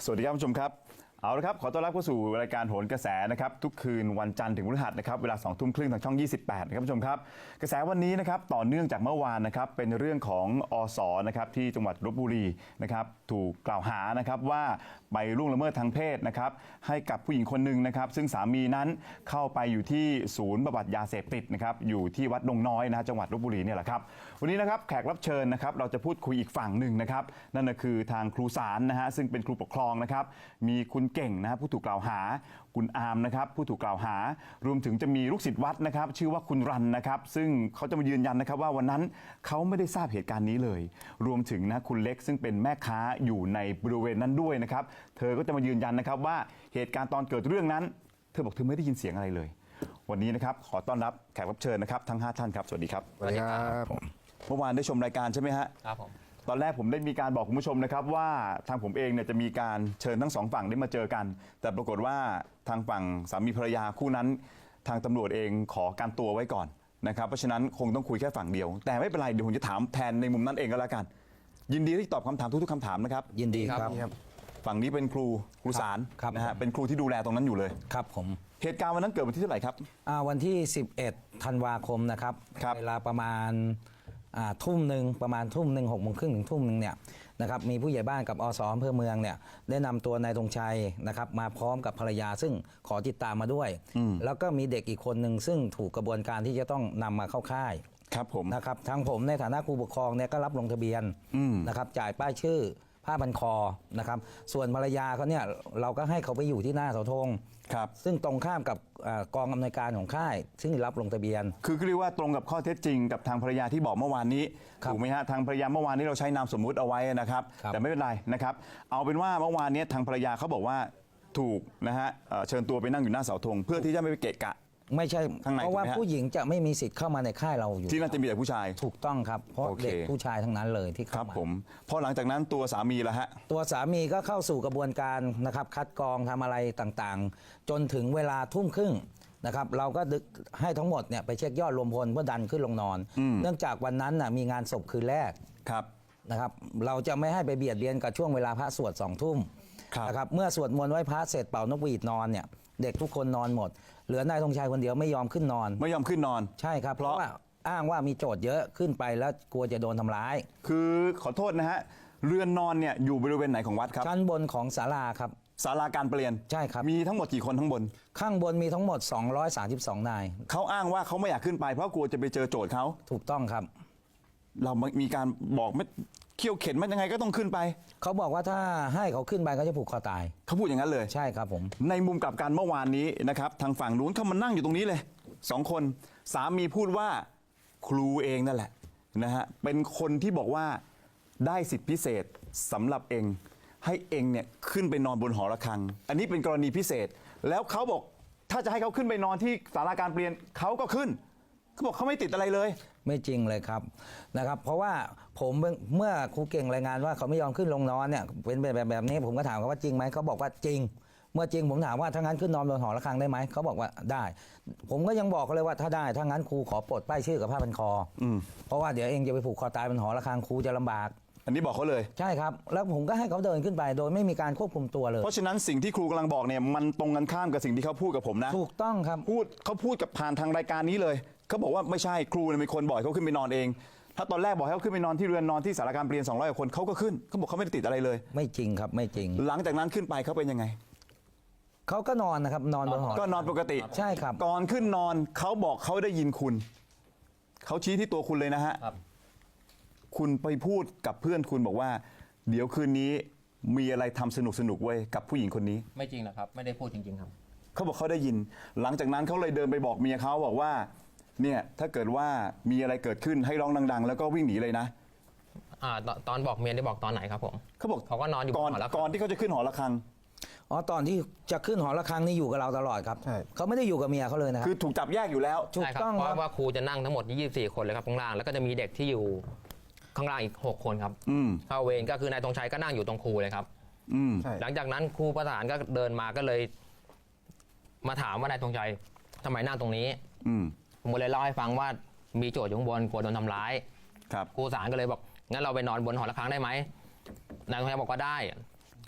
สวัสดีครับผู้ชมครับเอาละครับขอต้อนรับเข้าสู่รายการโหนกระแสนะครับทุกคืนวันจันทร์ถึงพฤหัสนะครับเวลา 20:30 ทางช่อง 28นะครับผู้ชมครับกระแสวันนี้นะครับต่อเนื่องจากเมื่อวานนะครับเป็นเรื่องของอสนะครับที่จังหวัดลพบุรีนะครับถูกกล่าวหานะครับว่าไปล่วงละเมิดทางเพศนะครับให้กับผู้หญิงคนหนึ่งนะครับซึ่งสามีนั้นเข้าไปอยู่ที่ศูนย์บำบัดยาเสพติดนะครับอยู่ที่วัดดงน้อยนะจังหวัดลพบุรีเนี่ยแหละครับวันนี้นะครับแขกรับเชิญนะครับเราจะพูดคุยอีกฝั่งหนึ่งนะครับนั่นก็คือทางครูสารนะฮะซึ่งเป็นครูปกครองนะครับมีคุณเก่งนะครับผู้ถูกกล่าวหาคุณอาร์มนะครับผู้ถูกกล่าวหารวมถึงจะมีลูกศิษย์วัดนะครับชื่อว่าคุณรันนะครับซึ่งเขาจะมายืนยันนะครับว่าวันนั้นเขาไม่ได้ทราบเหตุการณ์นี้เลยรวมถึงนะคุณเล็กซึ่งเป็นแม่ค้าอยู่ในบริเวณนั้นด้วยนะครับเธอก็จะมายืนยันนะครับว่าเหตุการณ์ตอนเกิดเรื่องนั้นเธอบอกเธอไม่ได้ยินเสียงอะไรเลยวันนี้นะครับขอต้อนรับแขกรับเชิญนะครับทั้ง5ท่านครับสวัสดีครับสวัสดีครับเมื่อวานได้ชมรายการใช่ไหมฮะครับผมตอนแรกผมได้มีการบอกคุณผู้ชมนะครับว่าทางผมเองเนี่ยจะมีการเชิญทั้งสองฝั่งได้มาเจอกันแต่ปรากฏว่าทางฝั่งสามีภรรยาคู่นั้นทางตำรวจเองขอการตัวไว้ก่อนนะครับเพราะฉะนั้นคงต้องคุยแค่ฝั่งเดียวแต่ไม่เป็นไรเดี๋ยวผมจะถามแทนในมุมนั้นเองก็แล้วกันยินดีที่ตอบคำถามทุกๆคำถามนะครับยินดีครับฝั่งนี้เป็นครูสารนะฮะเป็นครูที่ดูแลตรงนั้นอยู่เลยครับผมเหตุการณ์วันนั้นเกิดวันที่เท่าไหร่ครับวันที่11ธันวาคมนะครับเวลาประมาณทุ่มหนึ่งประมาณทุ่มหนึ่ง6 โมงครึ่งถึงทุ่มหนึ่งเนี่ยนะครับมีผู้ใหญ่บ้านกับอสอำเภอเมืองเนี่ยได้นำตัวนายธงชัยนะครับมาพร้อมกับภรรยาซึ่งขอติดตามมาด้วยแล้วก็มีเด็กอีกคนหนึ่งซึ่งถูกกระบวนการที่จะต้องนำมาเข้าค่ายครับผมนะครับทางผมในฐานะครูปกครองเนี่ยก็รับลงทะเบียนนะครับจ่ายป้ายชื่อผ้าพันคอนะครับส่วนภรรยาเขาเนี่ยเราก็ให้เขาไปอยู่ที่หน้าเสาธงครับซึ่งตรงข้ามกับกองอำนวยการของค่ายซึ่งรับลงทะเบียนคือเรียกว่าตรงกับข้อเท็จจริงกับทางภรรยาที่บอกเมื่อวานนี้ถูกไหมฮะทางภรรยาเมื่อวานนี้เราใช้นามสมมุติเอาไว้นะครับแต่ไม่เป็นไรนะครับเอาเป็นว่าเมื่อวานนี้ทางภรรยาเขาบอกว่าถูกนะฮะเชิญตัวไปนั่งอยู่หน้าเสาธงเพื่อที่จะไม่ไปเกะกะไม่ใช่เพราะว่าผู้หญิงจะไม่มีสิทธิ์เข้ามาในค่ายเราอยู่ที่นั่นจะมีแต่ผู้ชายถูกต้องครับเพราะเด็กผู้ชายทั้งนั้นเลยที่เข้ามาผมพอหลังจากนั้นตัวสามีละฮะตัวสามีก็เข้าสู่กระบวนการนะครับคัดกรองทำอะไรต่างๆจนถึงเวลาทุ่มครึ่งนะครับเราก็ให้ทั้งหมดเนี่ยไปเช็คยอดรวมพลเพื่อดันขึ้นลงนอนเนื่องจากวันนั้นมีงานศพคืนแรกครับนะครับเราจะไม่ให้ไปเบียดเบียนกับช่วงเวลาพระสวด2 ทุ่มนะครับเมื่อสวดมนต์ไหว้พระเสร็จเป่านกหวีดนอนเนี่ยเด็กทุกคนนอนหมดเหลือนายธงชัยคนเดียวไม่ยอมขึ้นนอนไม่ยอมขึ้นนอนใช่ครับเพราะว่าอ้างว่ามีโจทย์เยอะขึ้นไปแล้วกลัวจะโดนทำร้ายคือขอโทษนะฮะเรือนนอนเนี่ยอยู่บริเวณไหนของวัดครับชั้นบนของศาลาครับศาลาการเปลี่ยนใช่ครับมีทั้งหมดกี่คนทั้งบนข้างบนมีทั้งหมด232นายเขาอ้างว่าเขาไม่อยากขึ้นไปเพราะกลัวจะไปเจอโจทย์เขาถูกต้องครับเรามีการบอกไม่เขี่ยวเข็นมันยังไงก็ต้องขึ้นไปเขาบอกว่าถ้าให้เขาขึ้นไปเขาจะผูกคอตายเขาพูดอย่างนั้นเลยใช่ครับผมในมุมกลับกันเมื่อวานนี้นะครับทางฝั่งนู้นเขามานั่งอยู่ตรงนี้เลย2 คนสามีพูดว่าครูเองนั่นแหละนะฮะเป็นคนที่บอกว่าได้สิทธิพิเศษสำหรับเองให้เองเนี่ยขึ้นไปนอนบนหอระฆังอันนี้เป็นกรณีพิเศษแล้วเขาบอกถ้าจะให้เขาขึ้นไปนอนที่ศาลาการเปลี่ยนเขาก็ขึ้นเขาบอกเขาไม่ติดอะไรเลยไม่จริงเลยครับนะครับเพราะว่าผมเมื่อครูเก่งรายงานว่าเขาไม่ยอมขึ้นลงนอนเนี่ยเป็นแบบนี้ผมก็ถามเขาว่าจริงไหมเขาบอกว่าจริงเมื่อจริงผมถามว่าถ้างั้นขึ้นนอนบนหอระฆังได้ไหมเขาบอกว่าได้ผมก็ยังบอกเขาเลยว่าถ้าได้ถ้างั้นครูขอปลดป้ายชื่อกับผ้าพันคอเพราะว่าเดี๋ยวเองจะไปผูกคอตายบนหอระฆังครูจะลำบากอันนี้บอกเขาเลยใช่ครับแล้วผมก็ให้เขาเดินขึ้นไปโดยไม่มีการควบคุมตัวเลยเพราะฉะนั้นสิ่งที่ครูกำลังบอกเนี่ยมันตรงกันข้ามกับสิ่งที่เขาพูดกับผมนะถูกต้องครับเขาพูดกับผ่านทางรายการนี้เลยเขาบอกว่าไม่ใช่ครูเป็นคนบอกเขาขึ้นไปนอนเองถ้าตอนแรกบอกให้เขาขึ้นไปนอนที่เรือนนอนที่ศาลาการเปลี่ยน200 กว่าคนเขาก็ขึ้นเขาบอกเขาไม่ได้ติดอะไรเลยไม่จริงครับไม่จริงหลังจากนั้นขึ้นไปเขาเป็นยังไงเขาก็นอนนะครับนอนบนหอก็นอนปกติใช่ครับก่อนขึ้นนอนเขาบอกเขาได้ยินคุณเขาชี้ที่ตัวคุณเลยนะฮะคุณไปพูดกับเพื่อนคุณบอกว่าเดี๋ยวคืนนี้มีอะไรทำสนุกไว้กับผู้หญิงคนนี้ไม่จริงนะครับไม่ได้พูดจริงๆครับเขาบอกเขาได้ยินหลังจากนั้นเขาเลยเดินไปบอกเมียเขาบอกว่าเนี่ยถ้าเกิดว่ามีอะไรเกิดขึ้นให้ร้องดังๆแล้วก็วิ่งหนีเลยนะตอนบอกเมียได้บอกตอนไหนครับผมเขาบอกเขาก็นอนอยู่ก่อนที่เขาจะขึ้นหอระฆังตอนที่จะขึ้นหอระฆังนี่อยู่กับเราตลอดครับเขาไม่ได้อยู่กับเมียเขาเลยนะครับคือถูกจับแยกอยู่แล้วถูกต้องเพราะว่าครูจะนั่งทั้งหมด24 คนเลยครับข้างล่างแล้วก็จะมีเด็กที่อยู่ข้างล่างอีก6 คนครับเข้าเวรก็คือนายธงชัยก็นั่งอยู่ตรงครูเลยครับหลังจากนั้นครูประสานก็เดินมาก็เลยมาถามว่านายธงชัยทำไมนั่งตรงนี้ผมเลยเล่าให้ฟังว่ามีโจทย์อยู่ข้างบนกลัวโดนทำร้ายครูสารก็เลยบอกงั้นเราไปนอนบนหอระฆังได้ไหมนายธงชัยบอกว่าได้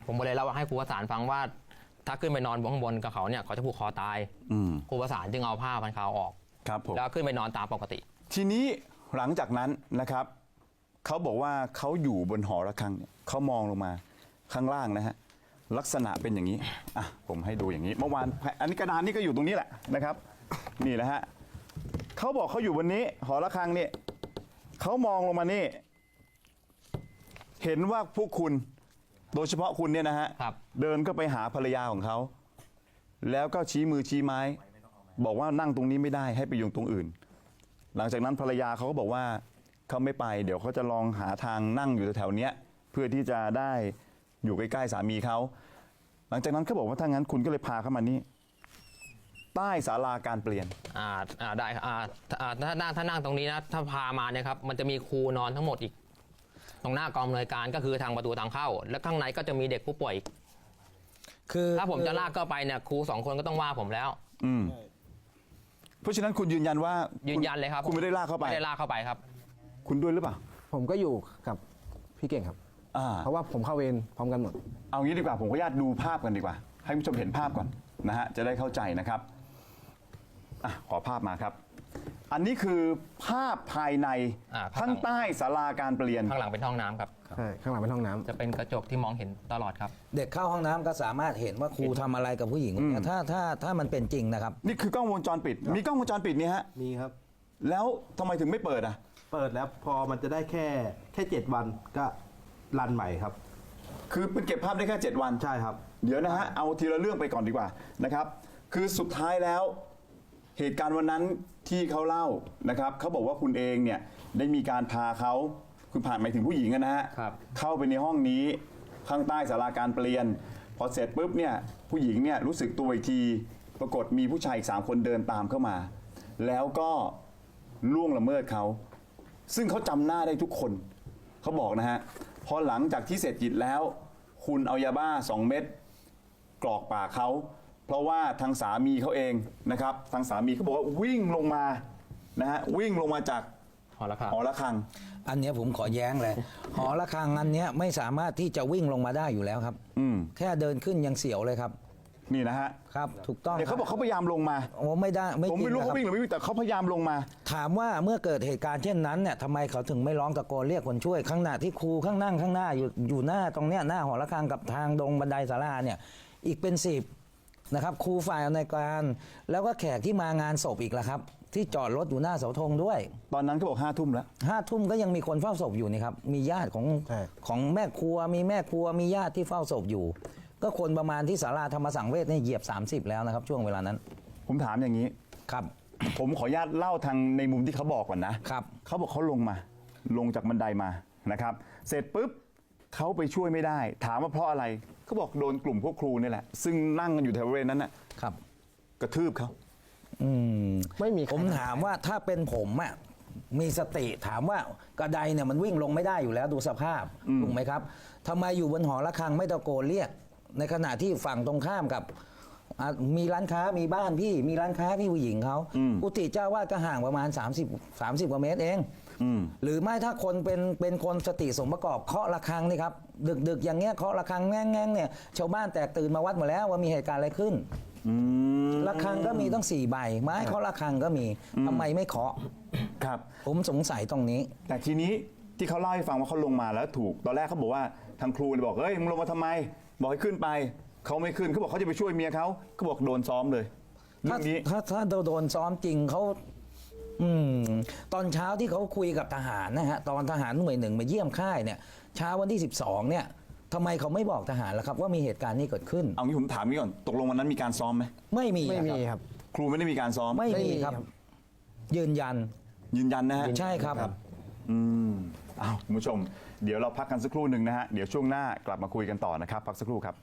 ผมก็เลยเล่าให้ครูประสานฟังว่า ถ้าขึ้นไปนอนข้างบนกับเขาเนี่ยเขาจะผูกคอตายครูประสานจึงเอาผ้าพันคอออกครับผมแล้วขึ้นไปนอนตามปกติทีนี้หลังจากนั้นนะครับเขาบอกว่าเขาอยู่บนหอระฆังเนี่ยเขามองลงมาข้างล่างนะฮะลักษณะเป็นอย่างนี้อ่ะผมให้ดูอย่างนี้เมื่อวานอันนี้กระดานนี่ก็อยู่ตรงนี้แหละนะครับนี่แหละฮะเขาบอกเขาอยู่บนนี้หอระฆังนี่เขามองลงมานี่เห็นว่าพวกคุณโดยเฉพาะคุณเนี่ยนะฮะครับเดินก็ไปหาภรรยาของเขาแล้วก็ชี้มือชี้ไม้ บอกว่านั่งตรงนี้ไม่ได้ให้ไปอยู่ตรงอื่น หลังจากนั้นภรรยาเขาก็บอกว่าเขาไม่ไปเดี๋ยวเขาจะลองหาทางนั่งอยู่แถวๆเนี้ยเพื่อที่จะได้อยู่ใกล้ๆสามีเขาหลังจากนั้นเขาบอกว่าถ้างั้นคุณก็เลยพาเขามานี่ใต้ศาลาการเปลี่ยนได้ครับถ้านั่งตรงนี้นะถ้าพามาเนี่ยครับมันจะมีครูนอนทั้งหมดอีก ตรงหน้ากองอำนวยการก็คือทางประตูทางเข้า และข้างในก็จะมีเด็กผู้ป่วยอีกคือถ้าผมจะลากเข้าไปเนี่ยครู2 คนก็ต้องว่าผมแล้วเพราะฉะนั้นคุณยืนยันว่ายืนยันเลยครับคุณไม่ได้ลากเข้าไปไม่ได้ลากเข้าไปครับคุณด้วยหรือเปล่าผมก็อยู่กับพี่เก่งครับอ่าเพราะว่าผมเข้าเวรพร้อมกันหมดเอางี้ดีกว่าผมขออนุญาตดูภาพกันดีกว่า ให้คุณผู้ชมเห็นภาพก่อนนะฮะจะได้เข้าใจนะครับอ่ะขอภาพมาครับ อันนี้คือภาพภายในข้างหลังข้างใต้ศาลาการเปลี่ยนข้างหลังเป็นห้องน้ำครับใช่ ข้างหลังเป็นห้องน้ำจะเป็นกระจกที่มองเห็นตลอดครับเด็กเข้าห้องน้ำก็สามารถเห็นว่าครูทำอะไรกับผู้หญิงคนเนี้ยถ้ามันเป็นจริงนะครับนี่คือกล้องวงจรปิด มีกล้องวงจรปิดนี่ฮะมีครับแล้วทำไมถึงไม่เปิดอ่ะเปิดแล้วพอมันจะได้แค่7 วันก็รันใหม่ครับคือเป็นเก็บภาพได้แค่ 7 วันใช่ครับเดี๋ยวนะฮะ เอาทีละเรื่องไปก่อนดีกว่านะครับ คือสุดท้ายแล้วเหตุการณ์วันนั้นที่เขาเล่านะครับเขาบอกว่าคุณเองเนี่ยได้มีการพาเขาคุณผ่านหมายถึงผู้หญิงอะนะฮะครับเข้าไปในห้องนี้ข้างใต้ศาลาการเปลี่ยน พอเสร็จปุ๊บเนี่ยผู้หญิงเนี่ยรู้สึกตัวอีกที ปรากฏมีผู้ชายอีก3 คนเดินตามเข้ามา แล้วก็ล่วงละเมิดเขา ซึ่งเขาจำหน้าได้ทุกคนเขาบอกนะฮะพอหลังจากที่เสร็จกิจแล้ว คุณเอายาบ้า2 เม็ดกรอกปากเขาเพราะว่าทางสามีเขาเองนะครับทางสามีเขาบอกว่าวิ่งลงมานะฮะวิ่งลงมาจากหอระฆังหอระฆังอันเนี้ยผมขอแย้งเลย หอระฆังอันเนี้ยไม่สามารถที่จะวิ่งลงมาได้อยู่แล้วครับ แค่เดินขึ้นยังเสียวเลยครับนี่นะฮะครับถูกต้องเนี่ยเขาบอกเขาพยายามลงมาโอ้ไม่ได้ไม่ผมจริไม่งรู้นะคเขารับวิ่งหรือไม่วิ่งแต่เขาพยายามลงมาถามว่าเมื่อเกิดเหตุการณ์เช่นนั้นเนี่ยทำไมเขาถึงไม่ร้องตะโกนเรียกคนช่วยข้างหน้าที่ครูข้างนั่งข้างหน้าอยู่หน้าตรงเนี้ยหน้าหอระฆังกับทางดงบันไดศาลาเนี่ยอีกเป็น10นะครับครูฝ่ายอำนวยการ แล้วก็แขกที่มางานศพอีกละครับ ที่จอดรถอยู่หน้าเสาธงด้วยตอนนั้นเขาบอก5 ทุ่มแล้ว 5 ทุ่มก็ยังมีคนเฝ้าศพอยู่นี่ครับมีญาติของใช่ของแม่ครัวมีแม่ครัวมีญาติที่เฝ้าศพอยู่ ก็คนประมาณที่ศาลาธรรมสังเวชเนี่ยเหยียบ30แล้วนะครับช่วงเวลานั้นผมถามอย่างนี้ครับผมขออนุญาตเล่าทางในมุมที่เขาบอกก่อนนะครับ เขาบอกเขาลงจากบันไดมานะครับ เสร็จปุ๊บเขาไปช่วยไม่ได้ ถามว่าเพราะอะไรเขาบอกโดนกลุ่มพวกครูนี่แหละ ซึ่งนั่งกันอยู่แถวบริเวณนั้นน่ะครับกระทืบเขาไม่มีใครผมถามว่าถ้าเป็นผมอ่ะมีสติถามว่ากระไดเนี่ยมันวิ่งลงไม่ได้อยู่แล้วดูสภาพถูกไหมครับทำไมอยู่บนหอระฆังไม่ตะโกนเรียก ในขณะที่ฝั่งตรงข้ามกับมีร้านค้ามีบ้านพี่มีร้านค้าพี่ผู้หญิงเขากุฏิเจ้าวาดก็ห่างประมาณ30 กว่าเมตรเองหรือไม่ถ้าคนเป็นคนสติสมประกอบเคาะระฆังนี่ครับดึกอย่างเงี้ยเคาะระฆังแง่งๆเนี่ยชาวบ้านแตกตื่นมาวัดหมดแล้วว่ามีเหตุการณ์อะไรขึ้นระฆังก็มีต้อง4 ใบไม้เคาะระฆังก็มีทำไมไม่เคาะครับผมสงสัยตรงนี้แต่ทีนี้ที่เขาเล่าให้ฟังว่าเขาลงมาแล้วถูกตอนแรกเขาบอกว่าทางครูเลยบอกเฮ้ยมึงลงมาทำไม บอกให้ขึ้นไปเขาไม่ขึ้นเขาบอกเขาจะไปช่วยเมียเขาบอกโดนซ้อมเลยเรื่ถ้าองนี้ถ้าโดนซ้อมจริงเขาตอนเช้าที่เขาคุยกับทหารนะฮะตอนทหารหน่วย1มาเยี่ยมค่ายเนี่ยเช้าวันที่12เนี่ยทำไมเขาไม่บอกทหารล่ะครับว่ามีเหตุการณ์นี้เกิดขึ้นเอางี้ผมถามนี้ก่อนตกลงวันนั้นมีการซ้อมไหมไม่มีไม่มีคครับ รับครูไม่ได้มีการซ้อมไม่มีไม่มีครับครับยืนยันยืนยันนะฮะใช่ครับอ้าวคุณผู้ชม เดี๋ยวเราพักกันสักครู่หนึ่งนะฮะ เดี๋ยวช่วงหน้ากลับมาคุยกันต่อนะครับ พักสักครู่ครับ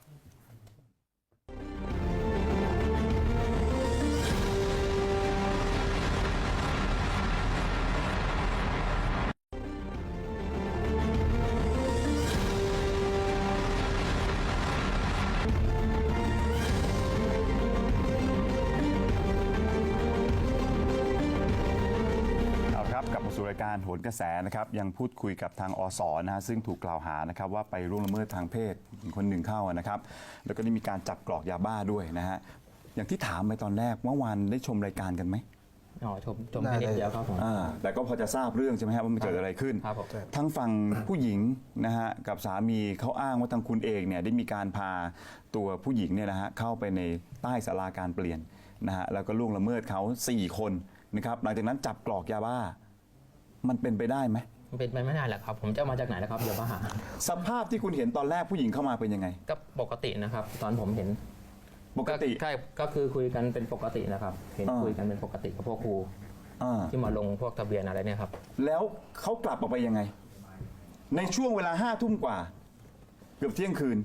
เอาครับกลับมาสู่รายการโหนกระแสนะครับยังพูดคุยกับทางอสนะฮะซึ่งถูกกล่าวหานะครับว่าไปล่วงละเมิดทางเพศหญิงคนหนึ่งเข้านะครับแล้วก็ได้มีการจับกรอกยาบ้าด้วยนะฮะอย่างที่ถามไปตอนแรกเมื่อวานได้ชมรายการกันไหมอ๋อชมแค่นิดเดียวครับผมแต่ก็พอจะทราบเรื่องใช่ไหมครับว่ามันเกิดอะไรขึ้นครับผมทั้งฝั่งผู้หญิงนะฮะกับสามีเขาอ้างว่าทางคุณเองเนี่ยได้มีการพาตัวผู้หญิงเนี่ยนะฮะเข้าไปในใต้ศาลาการเปลี่ยนนะฮะแล้วก็ล่วงละเมิดเขา4 คนนะครับหลังจากนั้นจับกรอกยาบ้ามันเป็นไปได้ไหมมันเป็นไปไม่ได้แหละครับ ผมจะเอามาจากไหนนะครับเดี๋ยวมาหาสภาพที่คุณเห็นตอนแรกผู้หญิงเข้ามาเป็นยังไงก็ปกตินะครับ ตอนผมเห็นปกติใช่ก็คือคุยกันเป็นปกตินะครับ เห็นคุยกันเป็นปกติกับพวกครูอ่าที่มาลงพวกทะเบียนอะไรเนี่ยครับแล้วเขากลับออกไปยังไง ในช่วงเวลา5 ทุ่มกว่า เกือบเที่ยงคืน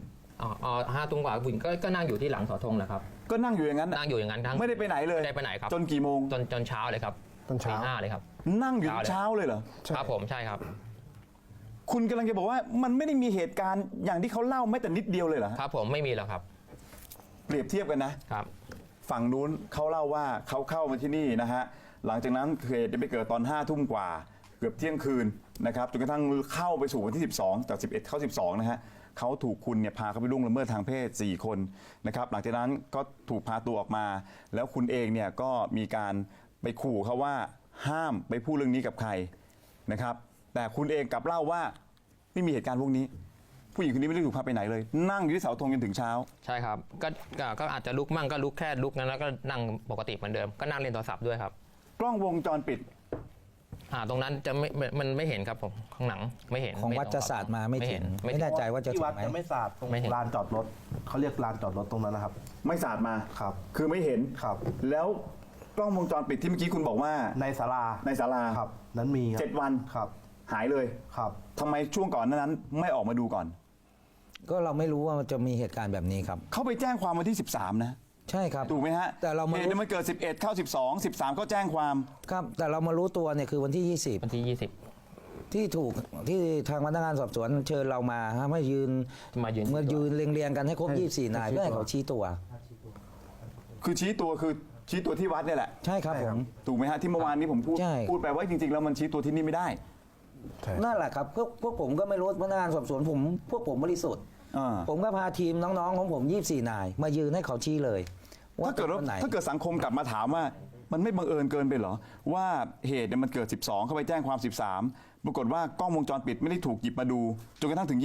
5 ทุ่มกว่าผู้หญิงก็นั่งอยู่ที่หลังเสาธงแหละครับก็นั่งอยู่อย่างนั้นนั่งอยู่อย่างนั้นทั้งไม่ได้ไปไหนเลยไม่ได้ไปไหนครับจนกี่โมงจนเช้าเลยครับตอนเช้าตี 5เลยครับนั่งอยู่ถึงเช้าเลยเหรอครับผมใช่ครับคุณกำลังจะบอกว่ามันไม่ได้มีเหตุการณ์อย่างที่เขาเล่าแม้แต่นิดเดียวเลยเหรอฮะครับผมไม่มีหรอกครับเปรียบเทียบกันนะครับฝั่งนู้นเขาเล่าว่าเขาเข้ามาที่นี่นะฮะหลังจากนั้นเหตุได้ไปเกิดตอน5 ทุ่มกว่า เกือบเที่ยงคืนนะครับจนกระทั่งเข้าไปสู่วันที่ 12 จาก 11 เข้า 12 นะฮะเขาถูกคุณเนี่ยพาเขาไปล่วงละเมิดทางเพศ4 คนนะครับหลังจากนั้นก็ถูกพาตัวออกมา แล้วคุณเองเนี่ยก็มีการไปขู่เขาว่าห้ามไปพูดเรื่องนี้กับใครนะครับแต่คุณเองกลับเล่าว่าไม่มีเหตุการณ์พวกนี้ ผู้หญิงคนนี้ไม่ได้ถูกพาไปไหนเลย นั่งอยู่ที่เสาธงจนถึงเช้าใช่ครับก็อาจจะลุกมั่งก็ลุกแค่ลุกนั้นแล้วก็นั่งปกติเหมือนเดิมก็นั่งเล่นโทรศัพท์ด้วยครับกล้องวงจรปิดตรงนั้นจะมันไม่เห็นครับผมข้างหลังไม่เห็นของไม่วัดจะศาสตร์มาไม่ถึงไม่ไม่เห็นแน่ใจว่าจะที่ถึวัดงไหมจะไม่สาดตรงไม่เห็นลานจอดรถเขาเรียกลานจอดรถตรงนั้นนะครับไม่สาดมาครับคือไม่เห็นครับแล้วกล้องวงจรปิดที่เมื่อกี้คุณบอกว่าในศาลาในศาลาครับ นั้นมีครับ 7 วันครับหายเลยครับทำไมช่วงก่อนนั้นไม่ออกมาดูก่อนก็เราไม่รู้ว่าจะมีเหตุการณ์แบบนี้ครับเขาไปแจ้งความวันที่ 13 นะใช่ครับถูกไหมฮะแต่เรามาเหตุเนี่ยมันเกิด 11 เข้า 12 13 ก็แจ้งความครับ แต่เรามารู้ตัวเนี่ยคือวันที่วันที่ 20 ที่ถูกที่ทางพนักงานสอบสวนเชิญเรามาให้ยืนมายืนเมื่อยืนเรียงๆกันให้ครบ 24 นายเพื่อให้เขาชี้ตัวคือชี้ตัวที่วัดเนี่ยแหละใช่ครับผมถูกไหมฮะที่เมื่อวานนี้ผมพูดใช่ไปว่าจริงๆแล้วมันชี้ตัวที่นี่ไม่ได้นั่นแหละครับพวกผมก็ไม่รู้พนักงานสอบสวนพวกผมบริสุทธิ์อ่าผมก็พาทีมน้องๆของผม 24 นาย มายืนให้เขาชี้เลยถ้าเกิดป็นคนไหนถ้าเกิดสังคมกลับมาถามว่ามันไม่บังเอิญเกินไปเหรอว่าเหตุเนี่ยมันเกิด 12 เข้าไปแจ้งความ 13 ปรากฏว่ากล้องวงจรปิดไม่ได้ถูกหยิบมาดูจนกระทั่งถึง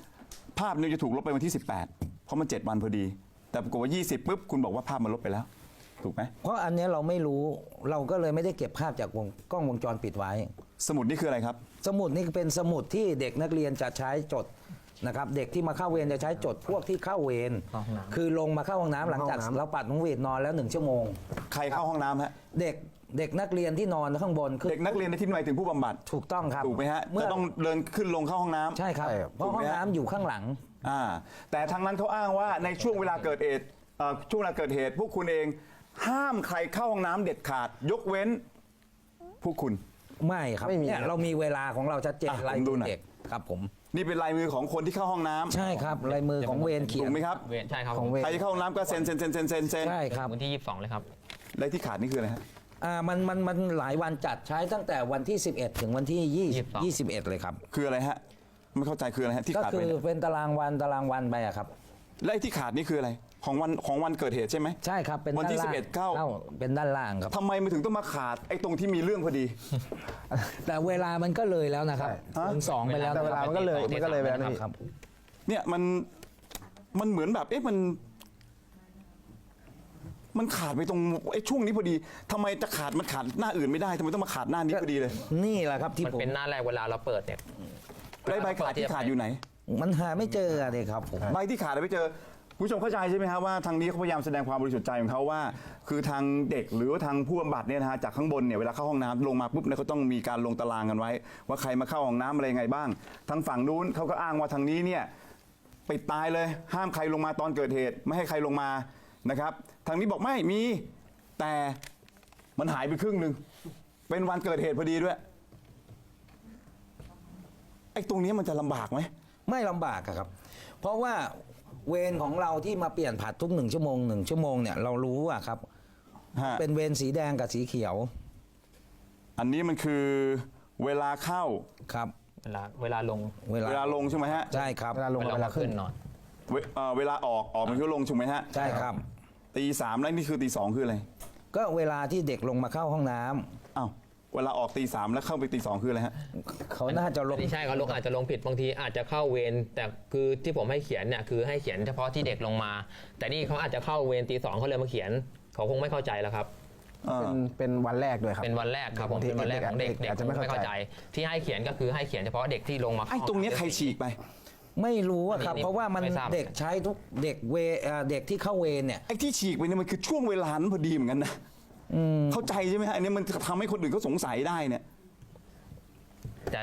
20 ภาพเนี่ยจะถูกลบไปวันที่ 18 เพราะมัน 7 วันพอดี แต่ปรากฏว่า 20 ปุ๊บคุณบอกว่าภาพมันลบไปแล้ว ถูกไหมเพราะอันเนี้ยเราไม่รู้เราก็เลยไม่ได้เก็บภาพจากกล้องวงจรปิดไว้สมุดนี่คืออะไรครับสมุดนี่เป็นสมุดที่เด็กนักเรียนจะใช้จดนะครับเด็กที่มาเข้าเวรจะใช้จดพวกที่เข้าเวรเข้าห้องน้ำคือลงมาเข้าห้องน้ำหลังจากเราปัดน้องเวรนอนแล้ว1 ชั่วโมงใครเข้าห้องน้ำฮะเด็กนักเรียนที่นอนข้างบนคือเด็กนักเรียนในที่หมายถึงผู้บำบัดถูกต้องครับถูกไหมฮะเมื่อจะต้องเดินขึ้นลงเข้าห้องน้ำใช่ครับใช่ครับเพราะห้องน้ำอยู่ข้างหลังแต่ทางนั้นเขาอ้างว่าในช่วงเวลาเกิดเหตุช่วงเวลาเกิดเหตุ พวกคุณเองห้ามใครเข้าห้องน้ำเด็ดขาด ยกเว้นพวกคุณไม่ครับไม่มีเนี่ยครับเรามีเวลาของเราชัดเจนอ่ะลายผมดูมือหน่อยเด็กครับผมนี่เป็นลายมือของคนที่เข้าห้องน้ำใช่ครับลายมือของเวรเขียถูนกไหมครับเวรใช่ครับของเวรใครที่เข้าห้องน้ำก็เซ็นเซ็นใช่ครับวันที่ 22 เลยครับและที่ขาดนี่คืออะไรฮะมันหลายวันจัดใช้ตั้งแต่วันที่ 11 ถึงวันที่ 22 21 เลยครับคืออะไรฮะไม่เข้าใจคืออะไรฮะที่ก็ขาดคืไปอเนี่ยเป็นตารางวันไปอะครับและไอ้ที่ขาดนี่คืออะไรของวันเกิดเหตุใช่ไหมใช่ครับเป็นวันที่ด้านล่าง 11เข้าเป็นด้านล่างครับทำไมมันถึงต้องมาขาดไอ้ตรงที่มีเรื่องพอดีแต่เวลามันก็เลยแล้วนะครับฮะถึง2ไปแล้วแต่เวลามันก็เลยไปแล้วนี่ครับเนี่ยมันเหมือนแบบมันขาดไปตรงไอ้ช่วงนี้พอดีทำไมจะขาดมันขาดหน้าอื่นไม่ได้ทำไมต้องมาขาดหน้านี้พอดีเลยนี่แหละครับที่มันผมเป็นหน้าแรกเวลาเราเปิดเนี่ยไอ้ใบขาดที่ขาดอยู่ไหนมันหาไม่เจอเลยครับผมใบที่ขาดไม่เจอคุณผู้ชมเข้าใจใช่ไหมครับว่าทางนี้เขาพยายามแสดงความบริสุทธิ์ใจของเขาว่า คือทางเด็กหรือว่าทางผู้บำบัดเนี่ยนะฮะจากข้างบนเนี่ยเวลาเข้าห้องน้ำลงมาปุ๊บเนี่ยเขาต้องมีการลงตารางกันไว้ ว่าใครมาเข้าห้องน้ำอะไรยังไงบ้างทางฝั่งนู้นเขาก็อ้างว่าทางนี้เนี่ยปิดตายเลยห้ามใครลงมาตอนเกิดเหตุ ไม่ให้ใครลงมานะครับทางนี้บอกไม่มีแต่มันหายไปครึ่งหนึ่งเป็นวันเกิดเหตุพอดีด้วยไอ้ตรงนี้มันจะลำบากไหมไม่ลำบากอะครับ เพราะว่าเวรของเราที่มาเปลี่ยนผัดทุก1 ชั่วโมง1 ชั่วโมงเนี่ยเรารู้อะครับฮะเป็นเวรสีแดงกับสีเขียวอันนี้มันคือเวลาเข้าครับเวลาลงเวเวลาลงใช่ไหมฮะใช่ครับเวลาลงกับเวลาขึ้นนอนเวลาออกมันคือลงถูกไหมฮะใช่ครับตีสามแล้วนี่คือตีสองคืออะไรก็เวลาที่เด็กลงมาเข้าห้องน้ำอ้าวเวลาออกตีสามแล้วเข้าไปตีสองคืออะไรฮะเขาน่าจะลงไม่ใช่เขาลงอาจจะลงผิดบางทีอาจจะเข้าเวรแต่คือที่ผมให้เขียนเนี่ยคือให้เขียนเฉพาะที่เด็กลงมา แต่นี่เขาอาจจะเข้าเวรตี 2เขาเลยมาเขียนเขาคงไม่เข้าใจแล้วครับเป็นวันแรกด้วยครับเป็นวันแรกครับผมบางทีเป็นวันแรกของเด็กเด็กอาจจะไม่คงเข้าใจที่ให้เขียนก็คือให้เขียนเฉพาะเด็กที่ลงมาไอ้ตรงเนี้ยใครฉีกไปไม่รู้อะครับนี่เพราะว่ามันไม่ทราบเด็กใช้ทุกเด็กเด็กที่เข้าเวรเนี่ยไอ้ที่ฉีกไปเนี่ยมันคือช่วงเวลานั้นพอดีเหมือนกันนะเข้าใจใช่ไหมฮะอันนี้มันทำให้คนอื่นเขาสงสัยได้เนี่ยแต่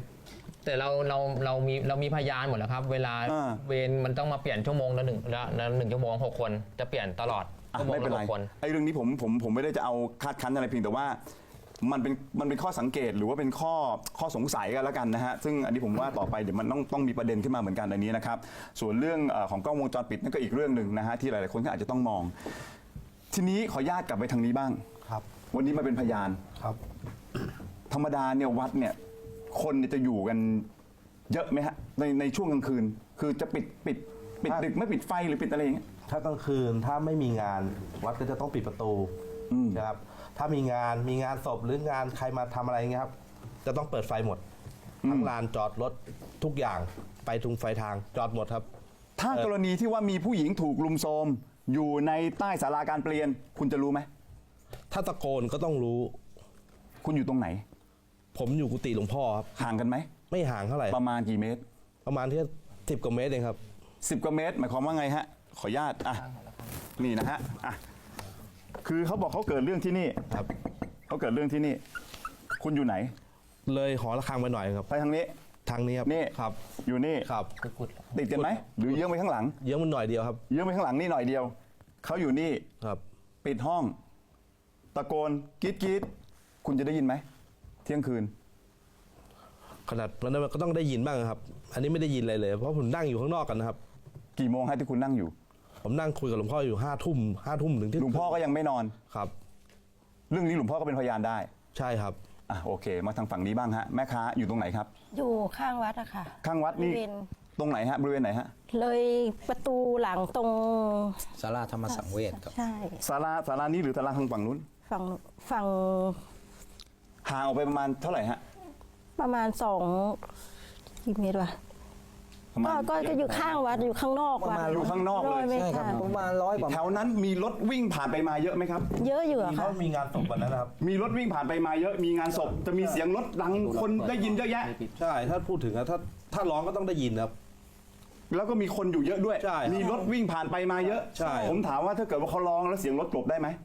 เรามีพยานหมดแล้วครับ เวลาอ่าเวรมันต้องมาเปลี่ยนชั่วโมงละหนึ่งชั่วโมง6 คนจะเปลี่ยนตลอดอ่ะชั่วโมงไม่เป็นละไร 6 คนไอ้เรื่องนี้ผมไม่ได้จะเอาคาดคั้นอะไรเพียงแต่ว่ามันเป็นข้อสังเกตหรือว่าเป็นข้อสงสัยกันแล้วกันนะฮะซึ่งอันนี้ผมว่าต่อไปเดี๋ยวมันต้องมีประเด็นขึ้นมาเหมือนกันอันนี้นะครับส่วนเรื่องของกล้องวงจรปิดนั่นก็อีกเรื่องหนึ่งนะฮะที่หลายๆคนก็อาจจะต้องมอง ทีนี้ขออนุญาตกลับไปทางนี้บ้างครับวันนี้มาเป็นพยานครับธรรมดาเนี่ยวัดเนี่ยคนเนี่ยจะอยู่กันเยอะไหมฮะในช่วงกลางคืน คือจะปิดดึกไม่ปิดไฟหรือปิดอะไรอย่างเงี้ยถ้ากลางคืนถ้าไม่มีงานวัดก็จะต้องปิดประตูนะครับถ้ามีงานศพหรืองานใครมาทำอะไรเงี้ยครับจะต้องเปิดไฟหมดทั้งลานจอดรถทุกอย่างไปทุงไฟทางจอดหมดครับถ้ากรณีที่ว่ามีผู้หญิงถูกลุมโทรมอยู่ในใต้ศาลาการเปลี่ยน คุณจะรู้ไหมถ้าตะโกนก็ต้องรู้คุณอยู่ตรงไหนผมอยู่กุฏิหลวงพ่อครับห่างกันไหมไม่ห่างเท่าไหร่ประมาณกี่เมตรประมาณที่10 กว่าเมตรเองครับ 10 กว่าเมตรหมายความว่าไงฮะขออนุญาตอ่ะนี่นะฮะอ่ะคือเขาบอกเขาเกิดเรื่องที่นี่ครับเขาเกิดเรื่องที่นี่ คุณอยู่ไหนเลยหอระฆังไปหน่อยครับไปทางนี้ทางนี้ครับนี่ครับอยู่นี่ครับติดกันไหมหรือเยื้องไปข้างหลังเยอะมันหน่อยเดียวครับเยื้องไปข้างหลังนี่หน่อยเดียวเขาอยู่นี่ครับปิดห้อง ตะโกนกรีดคุณจะได้ยินไหมเที่ยงคืนขนาดนั้นมันก็ต้องได้ยินบ้างครับ อันนี้ไม่ได้ยินอะไรเลย เพราะผมนั่งอยู่ข้างนอกกันนะครับกี่โมงฮะที่คุณนั่งอยู่ผมนั่งคุยกับหลวงพ่ออยู่5 ทุ่มถึงที่หลวงพ่อก็ยังไม่นอนครับเรื่องนี้หลวงพ่อก็เป็นพยานได้ใช่ครับอ่ะโอเค มาทางฝั่งนี้บ้างฮะแม่ค้าอยู่ตรงไหนครับอยู่ข้างวัดอะค่ะข้างวัดนี่บริเวณตรงไหนฮะบริเวณไหนฮะเลยประตูหลังตรงศาลาธรรมสังเวชครับใช่ศาลานี้หรือศาลาทางฝั่งนู้นฝั่งห่างออกไปประมาณเท่าไหร่ฮะประมาณกี่เมตรวะประมาณก็อยู่ข้างวัดอยู่ข้างนอกวัดอยู่ข้างนอกเลย 100 เมตรใช่ครับค่ะประมาณ100 กว่าแถวนั้นมีรถวิ่งผ่านไปมาเยอะไหมครับเยอะอยู่อะเขาค่ะมีงานศพวันนั้นนะครับมีรถวิ่งผ่านไปมาเยอะมีงานศพจะมีเสียงรถดังคนได้ยินเยอะแยะใช่ถ้าพูดถึงอะถ้าร้องก็ต้องได้ยินครับแล้วก็มีคนอยู่เยอะด้วยใช่มีรถวิ่งผ่านไปมาเยอะใช่ผมถามว่าถ้าเกิดว่าเขาร้องแล้วเสียงรถกลบได้ไหม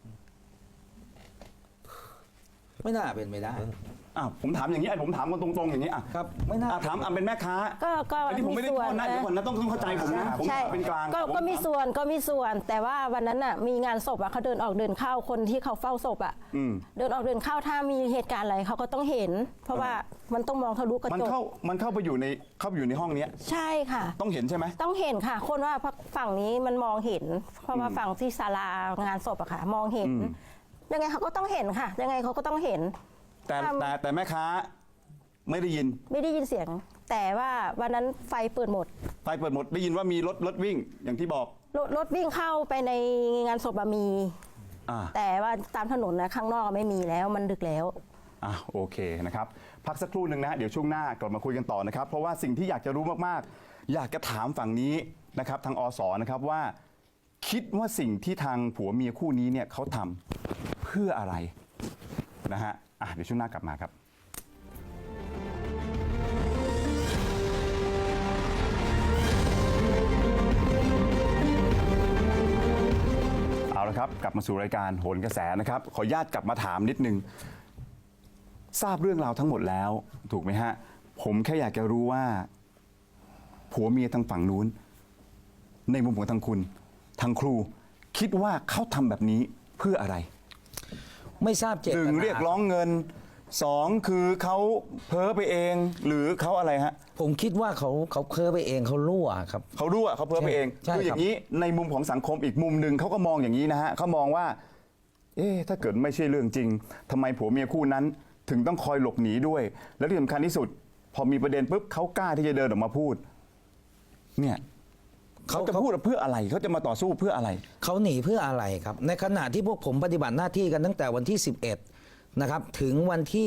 ไม่น่าเป็นไปได้อ้าวผมถามอย่างนี้ผมถามกันตรงๆอย่างนี้อ่ะครับไม่น่าถามเป็นแม่ค้าก็อันนี้ผมไม่ได้โทษนะเดี๋ยวก่อนนะต้องเข้าใจผมนะผมใช่เป็นกลางก็มีส่วนแต่ว่าวันนั้นน่ะมีงานศพอะเขาเดินออกเดินเข้าคนที่เขาเฝ้าศพอะเดินออกเดินเข้าถ้ามีเหตุการณ์อะไรเขาก็ต้องเห็น เพราะว่ามันต้องมองทะลุกระมันจกเข้าไปอยู่ในห้องเนี้ยใช่ค่ะต้องเห็นใช่ไหมต้องเห็นค่ะ คนว่าฝั่งนี้มันมองเห็น เพราะว่าฝั่งที่ศาลางานศพอะค่ะ มองเห็น ยังไงเขาก็ต้องเห็นค่ะ ยังไงเขาก็ต้องเห็นแต่แม่ค้าไม่ได้ยินไม่ได้ยินเสียง แต่ว่าวันนั้นไฟเปิดหมดไฟเปิดหมดได้ยินว่ามีรถวิ่งอย่างที่บอกรถวิ่งเข้าไปในงานศพอะมีอ่าแต่ว่าตามถนนนะข้างนอกไม่มีแล้วมันดึกแล้วโอเคนะครับพักสักครู่หนึ่งนะเดี๋ยวช่วงหน้ากลับมาคุยกันต่อนะครับ เพราะว่าสิ่งที่อยากจะรู้มากๆ อยากจะถามฝั่งนี้นะครับทางอสนะครับว่า คิดว่าสิ่งที่ทางผัวเมียคู่นี้เนี่ยเขาทำเพื่ออะไรนะฮะเดี๋ยวช่วงหน้ากลับมาครับ เอาละครับกลับมาสู่รายการโหนกระแสนะครับขออนุญาตกลับมาถามนิดนึงทราบเรื่องราวทั้งหมดแล้วถูกไหมฮะผมแค่อยากจะรู้ว่าผัวเมียทางฝั่งนู้นในมุมของทางคุณทางครู คิดว่าเขาทำแบบนี้เพื่ออะไรไม่ทราบเจตหนึ่งนาเรียกร้องเงินสองคือเขาเพ้อไปเองหรือเขาอะไรฮะผมคิดว่าเขาเพ้อไปเองเขารั่วครับเขารู้ว่าเขาเพ้อไปเองใช่คืออย่างนี้ในมุมของสังคมอีกมุมหนึ่งเขาก็มองอย่างนี้นะฮะเขามองว่าถ้าเกิดไม่ใช่เรื่องจริงทำไมผัวเมียคู่นั้นถึงต้องคอยหลบหนีด้วย และที่สำคัญที่สุด พอมีประเด็นปุ๊บเขากล้าที่จะเดินออกมาพูดเนี่ยเขาจะพูดเพื่ออะไรเขาจะมาต่อสู้เพื่ออะไรเขาหนีเพื่ออะไรครับ ในขณะที่พวกผมปฏิบัติหน้าที่กันตั้งแต่วันที่ 11 นะครับ ถึงวันที่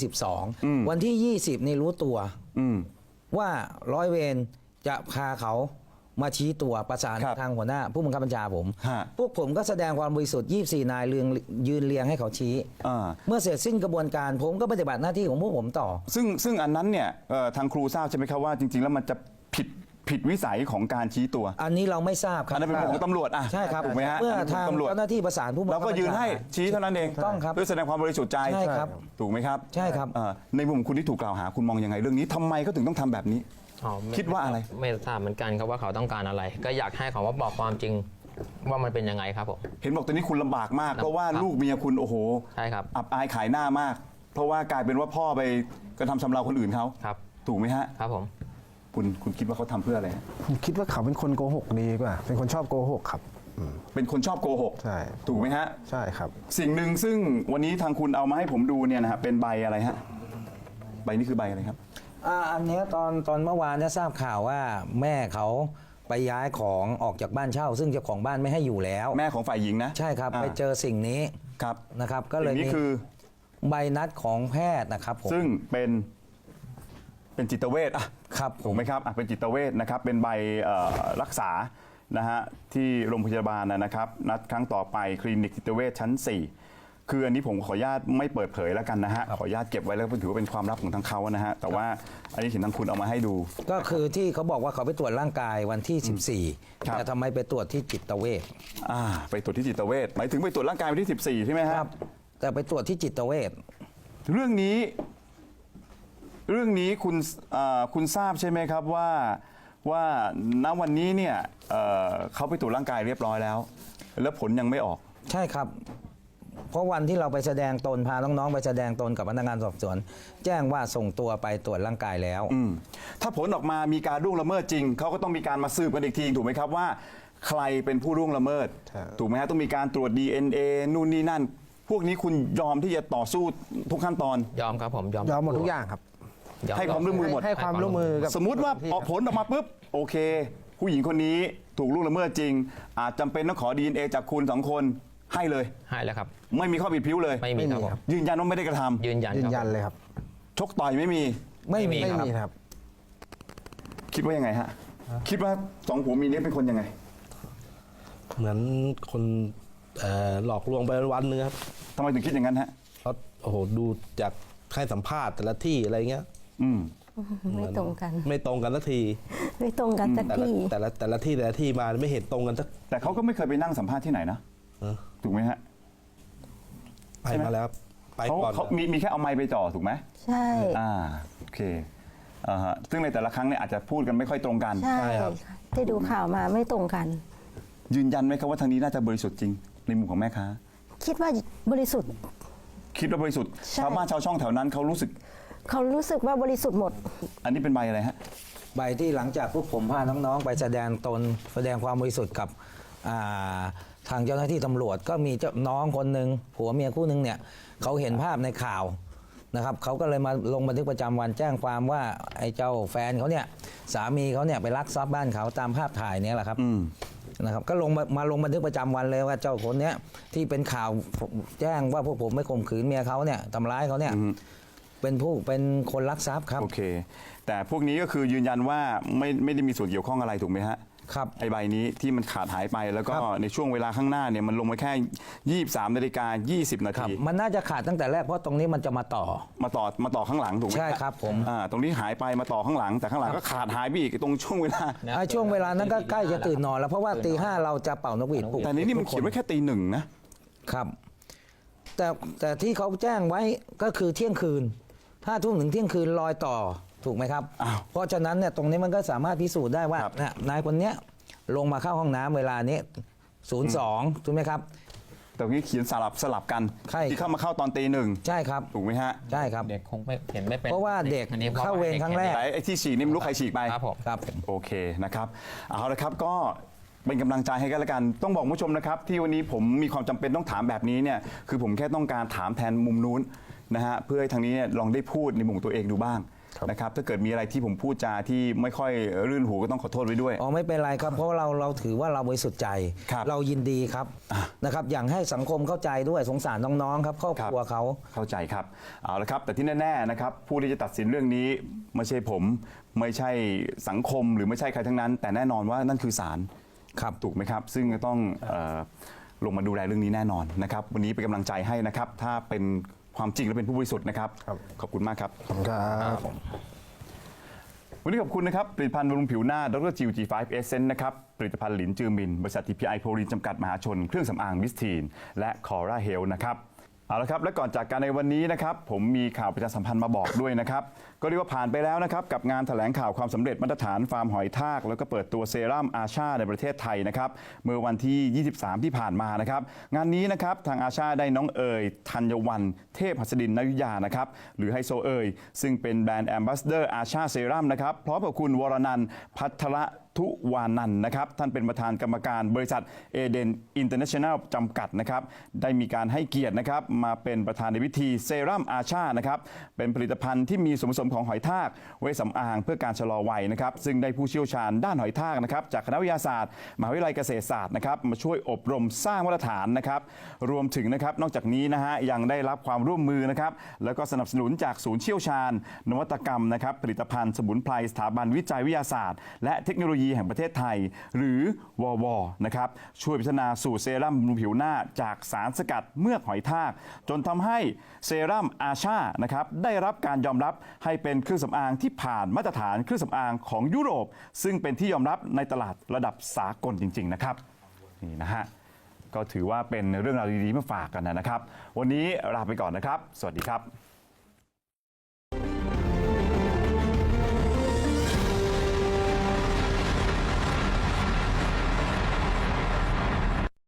22 วันที่ 20 นี่รู้ตัว ว่าร้อยเวรจะพาเขามาชี้ตัวประสานครับทางหัวหน้าผู้บังคับบัญชาผมฮะพวกผมก็แสดงความบริสุทธิ์ 24 นายยืนเรียงให้เขาชี้อ่าเมื่อเสร็จสิ้นกระบวนการผมก็ปฏิบัติหน้าที่ของพวกผมต่อซึ่งอันนั้นเนี่ยทางครูทราบใช่ไหมครับว่าจริง ๆ แล้วมันจะผิดวิสัยของการชี้ตัวอันนี้เราไม่ทราบครัอับนนั้นเป็นของตำรวจอ่ะใช่ครับถูกไหมฮะเมื่ออันนั้นทางเป็นตำรวจเจ้าหน้าที่ประสานผู้บังคัเราบก็บัญชายืนให้ชี้เท่านั้นเองถูกต้องครับเพื่อแสดงความบริสุทธิ์ใจใช่ครับถูกไหมครับใช่ครับในมุมคุณที่ถูกกล่าวหาคุณมองยังไงเรื่องนี้ทำไมเขาถึงต้องทำแบบนี้อ๋อม่คิดว่าอะไรไม่ทราบเหมือนกันครับว่าเขาต้องการอะไร ก็อยากให้เขาว่าบอกความจริงว่ามันเป็นยังไงครับผมเห็นบอกตอนนี้คุณลำบากมากครับเพราะว่าลูกเมียคุณโอ้โหใช่ครับอับอายขายหน้ามาก เพราะว่ากลายเป็นว่าพ่อไปกระทำชำเราคนอื่นเขาครับถูกไหมฮะครับผมคุณคิดว่าเขาทำเพื่ออะไรฮะผมคิดว่าเขาเป็นคนโกหกดีกว่า เป็นคนชอบโกหกครับเป็นคนชอบโกหกใช่ถูกไหมฮะใช่ครับสิ่งหนึ่งซึ่งวันนี้ทางคุณเอามาให้ผมดูเนี่ยนะฮะเป็นใบอะไรฮะใบนี้คือใบอะไรครับอันเนี้ยตอนเมื่อวานเนี่ยทราบข่าวว่าแม่เขาไปย้ายของออกจากบ้านเช่า ซึ่งเจ้าของบ้านไม่ให้อยู่แล้วแม่ของฝ่ายหญิงนะใช่ครับ ไปเจอสิ่งนี้ครับนะครับ ก็เลยสิ่งมีนี้คือใบนัดของแพทย์นะครับผมซึ่งเป็นจิตเวชอ่ะครับผถูมกไหมครับเป็นจิตเวชนะครับเป็นใบรักษานะฮะที่โรงพยาบาลนะครับนัดครั้งต่อไปคลินิกจิตเวชชั้น 4 คืออันนี้ผมขออนุญาตไม่เปิดเผยแล้วกันนะฮะขออนุญาตเก็บไว้แล้วถือว่าเป็นความลับของทางเขานะฮะแต่ว่าอันนี้เห็นทางคุณเอามาให้ดูก็คือที่เขาบอกว่าเขาไปตรวจร่างกายวันที่ 14 ครับแต่ทำไมไปตรวจที่จิตเวชไปตรวจที่จิตเวชหมายถึงไปตรวจร่างกายวันที่ 14 ใช่ไหมฮะครับ แต่ไปตรวจที่จิตเวชเรื่องนี้คุณทราบใช่ไหมครับว่าณวันนี้เนี่ยเขาไปตรวจร่างกายเรียบร้อยแล้ว แล้วผลยังไม่ออกใช่ครับ เพราะวันที่เราไปแสดงตนพาน้องๆไปแสดงตนกับพนักงานสอบสวน แจ้งว่าส่งตัวไปตรวจร่างกายแล้วถ้าผลออกมามีการล่วงละเมิดจริงเขาก็ต้องมีการมาสืบกันอีกทีถูกไหมครับว่า ใครเป็นผู้ล่วงละเมิดใช่ถูกไหมฮะต้องมีการตรวจ DNA นู่นนี่นั่น พวกนี้คุณยอมที่จะต่อสู้ทุกขั้นตอนยอมครับผมยอมหมดทุกอย่างครับยอให้ความร่วมมือหมดให้ความร่วมมือกับสมมุติว่าที่ออกผลออกมาปุ๊บโอเค ผู้หญิงคนนี้ถูกล่วงละเมิดจริง อาจจำเป็นต้องขอ DNA จากคุณสองคนให้เลยให้แล้วครับไม่มีข้อผิดพริ้วเลยไม่มีครับผมยืนยันว่าไม่ได้กระทำยืนยันยืคน รับยันเลยครับชกต่อยไม่มีไม่มีไม่ครับมีครับคิดว่ายังไงฮะคิดว่าสองผัวเมียนี้เป็นคนยังไงเหมือนคนหลอกลวงไปวันนึงครับทำไมถึงคิดอย่างนั้นฮะเขาโอ้โหดูจากให้สัมภาษณ์แต่ละที่อะไรเงี้ยอืมไม่ตรงกันไม่ตรงกันสักทีไม่ตรงกันสักแต่ละทีแต่ละที่มาไม่เห็นตรงกันสักแต่เขาก็ไม่เคยไปนั่งสัมภาษณ์ที่ไหนนะเออถูกไหมฮะไปใช่ไหมมาแล้วครับไปเขาก่อนเขามีแค่เอาไม้ไปจ่อถูกไหมใช่โอเคฮะซึ่งในแต่ละครั้งเนี่ยอาจจะพูดกันไม่ค่อยตรงกันใช่ที่ดูข่าวมาไม่ตรงกันยืนยันไหมครับว่าทางนี้น่าจะบริสุทธิ์จริงในมุมของแม่ค้าคิดว่าบริสุทธิ์คิดว่าบริสุทธิ์ใช่ชาวบ้านชาวช่องแถวนั้นเขารู้สึกเขารู้สึกว่าบริสุทธิ์หมดอันนี้เป็นใบอะไรฮะใบที่หลังจากพวกผมพาน้องๆ ไปแสดงตนแสดงความบริสุทธิ์กับทางเจ้าหน้าที่ตำรวจก็มีเจ้าน้องคนหนึ่งผัวเมียคู่หนึ่งเนี่ยเขาเห็นภาพในข่าวนะครับเขาก็เลยมาลงบันทึกประจำวันแจ้งความว่าไอ้เจ้าแฟนเขาเนี่ยสามีเขาเนี่ยไปลักทรัพย์บ้านเขาตามภาพถ่ายเนี่ยแหละครับนะครับก็ลงบันทึกประจำวันเลยว่าเจ้าคนเนี้ยที่เป็นข่าวแจ้งว่าพวกผมไม่ข่มขืนเมียเขาเนี่ยทำร้ายเขาเนี่ยเป็นคนลักทรัพย์ครับโอเค แต่พวกนี้ก็คือยืนยันว่าไม่ได้มีส่วนเกี่ยวข้องอะไรถูกไหมฮะครับไอ้ใบนี้ที่มันขาดหายไปแล้วก็ครับในช่วงเวลาข้างหน้าเนี่ยมันลงมาแค่ 23:20 นาครับทีมันน่าจะขาดตั้งแต่แรกเพราะตรงนี้มันจะมาต่อมาต่อข้างหลังถูกไหมใช่ครับผมตรงนี้หายไปมาต่อข้างหลัง แต่ข้างหลังก็ขาดหายไปอีกตรงช่วงเวลาไอ้ช่วงเวลานั้นก็ใกล้จะตื่นนอนแล้วเพราะว่าตี 5เราจะเป่านกหวีดปลุกแต่นี่มันเขียนไว้แค่ตี 1นะครับ แต่ที่เขาแจ้งไว้ก็คือเที่ยงคืน5 ทุ่มถึงเที่ยงคืนลอยต่อถูกไหมครับอ้าวเพราะฉะนั้นเนี่ยตรงนี้มันก็สามารถพิสูจน์ได้ว่าครับเนี่ยนายคนเนี้ยลงมาเข้าห้องน้ำเวลานี้02ถูกไหมครับแต่ตรงนี้เขียนสลับกันใช่ที่เข้าตอนตี 1 ใช่ครับถูกไหมฮะใช่ครับเด็กคงไม่เห็นไม่เป็นเพราะว่าเด็กอันนี้พะเข้าเวรครั้งแรกไอ้ที่ฉีกนี่ไม่รู้ใครฉีกไปครับผมครับโอเคนะครับเอาละครับก็เป็นกำลังใจให้กันละกันต้องบอกคุณผู้ชมนะครับที่วันนี้ผมมีความจำเป็นต้องถามแบบนี้เนี่ยคือผมแค่ต้องการถามแทนมุมนู้นนะฮะเพื่อให้ทางนี้เนี่ยลองได้พูดในมุมตัวเองดูบ้างนะครับถ้าเกิดมีอะไรที่ผมพูดจาที่ไม่ค่อยรื่นหูก็ต้องขอโทษไว้ด้วยอ๋อไม่เป็นไรครับเพราะเราถือว่าเราบริสุทธิ์ใจครับเรายินดีครับนะครับอย่างให้สังคมเข้าใจด้วยสงสารน้องๆครับครอบครัวเขาเข้าใจครับเอาละครับแต่ที่แน่ๆนะครับผู้ที่จะตัดสินเรื่องนี้ไม่ใช่ผมไม่ใช่สังคมหรือไม่ใช่ใครทั้งนั้น แต่แน่นอนว่านั่นคือศาลครับถูกไหมครับซึ่งจะต้องลงมาดูแลเรื่องนี้แน่นอนนะครับวันนี้เป็นกำลังใจให้นะครับถ้าเป็นความจริงและเป็นผู้บริสุทธิ์นะครับขอบคุณมากครับขอบคุณครับวันนี้ขอบคุณนะครับผลิตภัณฑ์บำรุงผิวหน้าดรจิว G5 Essence นะครับผลิตภัณฑ์หลินจือมินบริษัท TPI โพลีนจำกัดมหาชนเครื่องสำอางมิสทีนและคอร่าเฮลนะครับเอาละครับและก่อนจากกันในวันนี้นะครับผมมีข่าวประชาสัมพันธ์มาบอกด้วยนะครับก็เรียกว่าผ่านไปแล้วนะครับกับงานแถลงข่าวความสำเร็จมาตรฐานฟาร์มหอยทากแล้วก็เปิดตัวเซรั่มอาชาในประเทศไทยนะครับเมื่อวันที่ 23 ที่ผ่านมานะครับงานนี้นะครับทางอาชาได้น้องเอ๋ยธัญวรรณเทพหัสดินนายุทธยานะครับหรือไฮโซเอ๋ยซึ่งเป็นแบรนด์แอมบาสเดอร์อาชาเซรั่มนะครับพร้อมกับคุณวรนันท์พัทรทุวานันท์นะครับท่านเป็นประธานกรรมการบริษัทเอเดนอินเตอร์เนชั่นแนลจำกัดนะครับได้มีการให้เกียรตินะครับมาเป็นประธานในพิธีเซรั่มอาชานะครับเป็นผลิตภัณฑ์ที่มีส่วนผสมของหอยทากไว้สำอางเพื่อการชะลอวัยนะครับซึ่งได้ผู้เชี่ยวชาญด้านหอยทากนะครับจากคณะวิทยาศาสตร์มหาวิทยาลัยเกษตรศาสตร์นะครับมาช่วยอบรมสร้างมาตรฐานนะครับรวมถึงนะครับนอกจากนี้นะฮะยังได้รับความร่วมมือนะครับแล้วก็สนับสนุนจากศูนย์เชี่ยวชาญนวัตกรรมนะครับผลิตภัณฑ์สมุนไพรสถาบันวิจัยวิทยาศาสตร์และเทคโนโลยีแห่งประเทศไทยหรือววนะครับช่วยพัฒนาสูตรเซรั่มบำรุงผิวหน้าจากสารสกัดเมือกหอยทากจนทำให้เซรั่มอาชานะครับได้รับการยอมรับให้เป็นเครื่องสำอางที่ผ่านมาตรฐานเครื่องสำอางของยุโรปซึ่งเป็นที่ยอมรับในตลาดระดับสากลจริงๆนะครับนี่นะฮะก็ถือว่าเป็นเรื่องราวดีๆมาฝากกันนะครับวันนี้ลาไปก่อนนะครับสวัสดีครับ